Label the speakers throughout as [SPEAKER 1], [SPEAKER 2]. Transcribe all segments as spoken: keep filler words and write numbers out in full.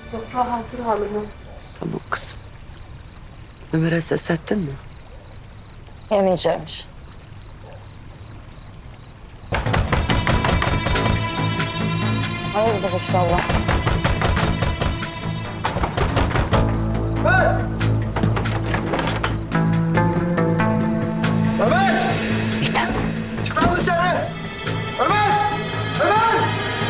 [SPEAKER 1] Sofra hazır hanımım.
[SPEAKER 2] Tamam kızım. Ömer'e ses ettin mi?
[SPEAKER 3] Yemeyeceğimmiş. Hayırdır inşallah.
[SPEAKER 4] Ömer!
[SPEAKER 2] Mithat.
[SPEAKER 4] Çık lan dışarı! Ömer! Ömer!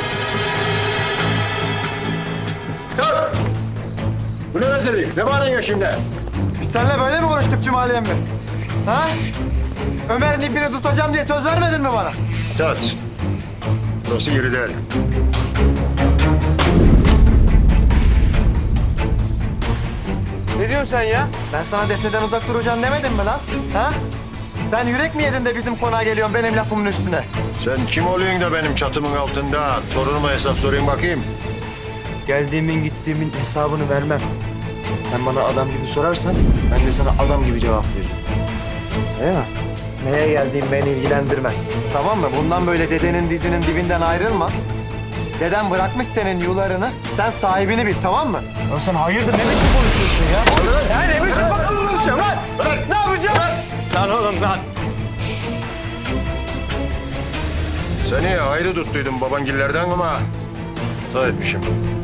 [SPEAKER 4] Dur! Bu ne rezillik? Ne bağırıyorsun şimdi?
[SPEAKER 5] Biz seninle böyle mi konuştuk Cumali emmi? Ha? Ömer'in ipini tutacağım diye söz vermedin mi bana?
[SPEAKER 4] Tat. Burası yeri değil.
[SPEAKER 5] Ne diyorsun sen ya? Ben sana Defne'den uzak duracaksın demedim mi lan? Ha? Sen yürek mi yedin de bizim konağa geliyorsun benim lafımın üstüne?
[SPEAKER 4] Sen kim oluyorsun da benim çatımın altında? Torunuma hesap sorayım bakayım.
[SPEAKER 6] Geldiğimin gittiğimin hesabını vermem. Sen bana adam gibi sorarsan ben de sana adam gibi cevap veririm.
[SPEAKER 5] Değil mi? Neye geldiğim beni ilgilendirmez. Tamam mı? Bundan böyle dedenin dizinin dibinden ayrılma. Deden bırakmış senin yularını. Sen sahibini bil, tamam mı?
[SPEAKER 6] Ya sen hayırdır ne biçim konuşuyorsun ya?
[SPEAKER 5] Ya ne biçim konuşuyorsun lan? Ne yapacağım?
[SPEAKER 6] Lan oğlum lan.
[SPEAKER 4] Seni ayrı tuttuydum babangillerden ama hata etmişim.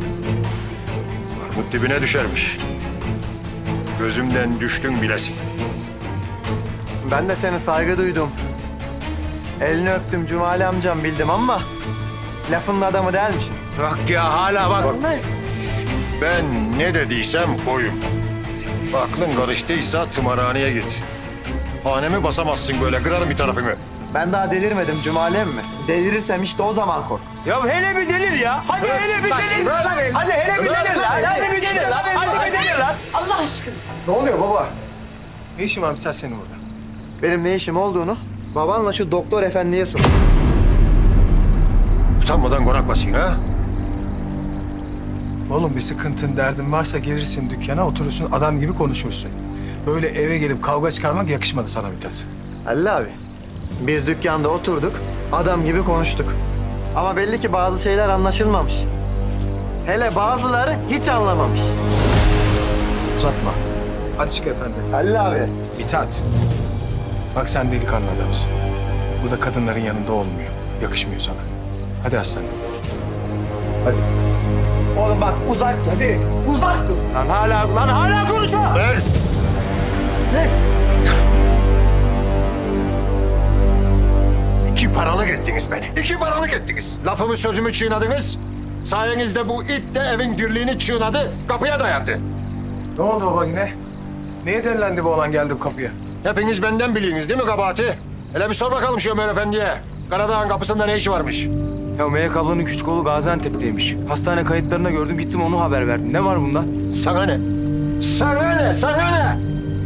[SPEAKER 4] Armut dibine düşermiş. Gözümden düştün bilesin.
[SPEAKER 5] Ben de seni saygı duydum. Elini öptüm Cumali amcam bildim ama lafının adamı değilmişim.
[SPEAKER 6] Bak ya hala bak.
[SPEAKER 4] Ben ne dediysem oyum. Aklın karıştıysa tımarhaneye git. Hanemi basamazsın böyle, kırarım bir tarafını.
[SPEAKER 5] Ben daha delirmedim Cumali emmi. Delirirsem işte o zaman kork.
[SPEAKER 6] Ya hele bir delir ya. Hadi hele bir delir. Hadi hele bir delir lan. Hadi bir delir lan. Hadi bir delir lan.
[SPEAKER 1] Allah aşkına.
[SPEAKER 5] Ne oluyor baba?
[SPEAKER 6] Ne işin var bir senin burada?
[SPEAKER 5] Benim ne işim olduğunu babanla şu doktor efendiye sor.
[SPEAKER 4] Utanmadan konak basayım ha?
[SPEAKER 7] Oğlum bir sıkıntın, derdin varsa gelirsin dükkana, oturursun, adam gibi konuşursun. Böyle eve gelip kavga çıkarmak yakışmadı sana Mithat.
[SPEAKER 5] Halil abi, biz dükkanda oturduk, adam gibi konuştuk. Ama belli ki bazı şeyler anlaşılmamış. Hele bazıları hiç anlamamış.
[SPEAKER 7] Uzatma. Hadi çık efendi.
[SPEAKER 5] Halil abi.
[SPEAKER 7] Mithat. Bak sen delikanlı adamsın. Burada kadınların yanında olmuyor. Yakışmıyor sana. Hadi aslanım. Hadi.
[SPEAKER 5] Oğlum bak uzak dur. Hadi. Uzak dur.
[SPEAKER 6] Lan hala lan hala konuşma.
[SPEAKER 4] Ver! İki paralık ettiniz beni. İki paralık ettiniz. Lafımı sözümü çiğnadınız. Sayenizde bu it de evin dirliğini çiğnadı, kapıya dayandı.
[SPEAKER 7] Ne oldu baba yine? Neye delilendi bu olan geldi bu kapıya?
[SPEAKER 4] Hepiniz benden biliyorsunuz değil mi kabahati? Hele bir sor bakalım şu Ömer Efendi'ye. Karadağ'ın kapısında ne işi varmış?
[SPEAKER 6] Ya Melek ablanın küçük oğlu Gaziantep'teymiş. Hastane kayıtlarına gördüm gittim onu haber verdim. Ne var bunda?
[SPEAKER 4] Sana ne? Sana ne? Sana ne?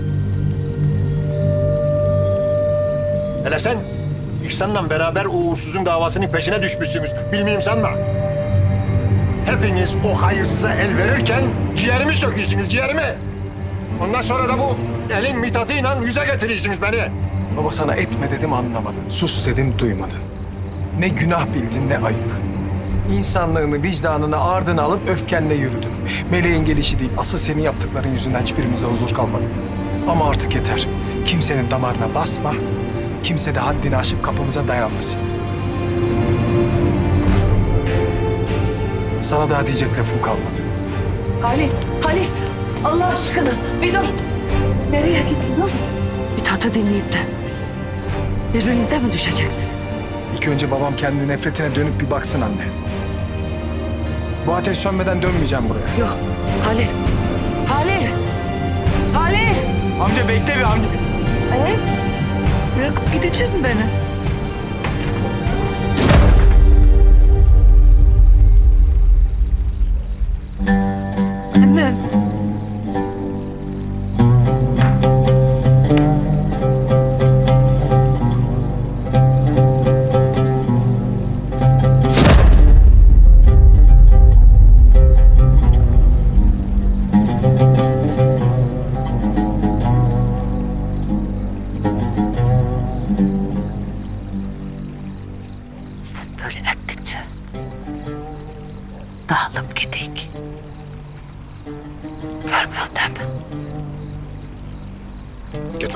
[SPEAKER 4] Hele sen İhsan'la beraber o uğursuzun davasının peşine düşmüşsünüz. Bilmeyeyim sanma. Hepiniz o hayırsıza el verirken ciğerimi söküyorsunuz, ciğerimi. Ondan sonra da bu elin mitatıyla yüze getiriyorsunuz beni.
[SPEAKER 7] Baba sana etme dedim anlamadın. Sus dedim duymadın. Ne günah bildin ne ayıp. İnsanlığını, vicdanını ardına alıp öfkenle yürüdün. Meleğin gelişi değil, asıl senin yaptıkların yüzünden hiçbirimizde huzur kalmadı. Ama artık yeter. Kimsenin damarına basma. Kimse de haddini aşıp kapımıza dayanmasın. Sana daha diyecek lafım kalmadı.
[SPEAKER 1] Halil, Halil. Allah aşkına bir dur. Nereye gidiyorsun?
[SPEAKER 2] Mithat'ı dinleyip de birbirinize mi düşeceksiniz?
[SPEAKER 7] İlk önce babam kendi nefretine dönüp bir baksın anne. Bu ateş sönmeden dönmeyeceğim buraya.
[SPEAKER 2] Yok Halil. Halil. Halil.
[SPEAKER 6] Amca bekle bir amca.
[SPEAKER 2] Ee, bırakıp gidecek mi beni? Anne.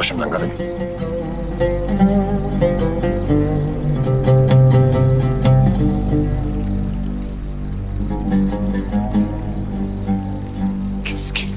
[SPEAKER 4] başımdan kadın.
[SPEAKER 2] Kes kes.